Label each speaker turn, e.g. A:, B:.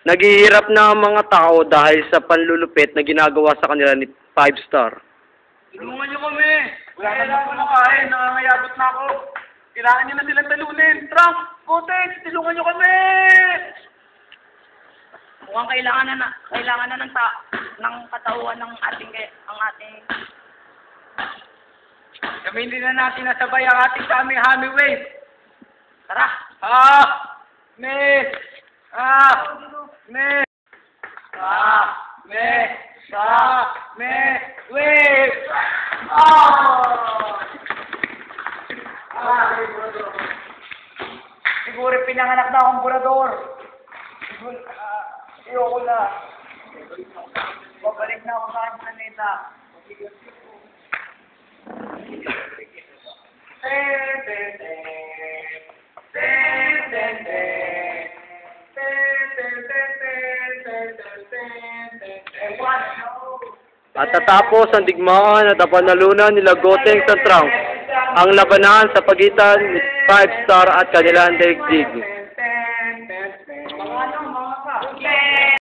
A: Naghihirap na ang mga tao dahil sa panlulupit na ginagawa sa kanila ni 5 Star.
B: Tulungan niyo kami! Wala na ako makain, nangangayabot na ako. Kailangan niyo na silang talunin. Trunk! Kotex! Tulungan niyo kami!
C: Mukhang kailangan na ng katauhan ng ating
B: Gamitin na natin nasabay ang ating Hami Wave.
C: tara.
B: Miss! Miss! Wave! Siguro pinanganak na akong burador. Ayoko na. Babalik na ako sa aking planeta.
A: At tatapos ang digmaan at ang panalunan nila Gotenks at Trunks ang labanan sa pagitan ni 5 Star at kanilang daigdig.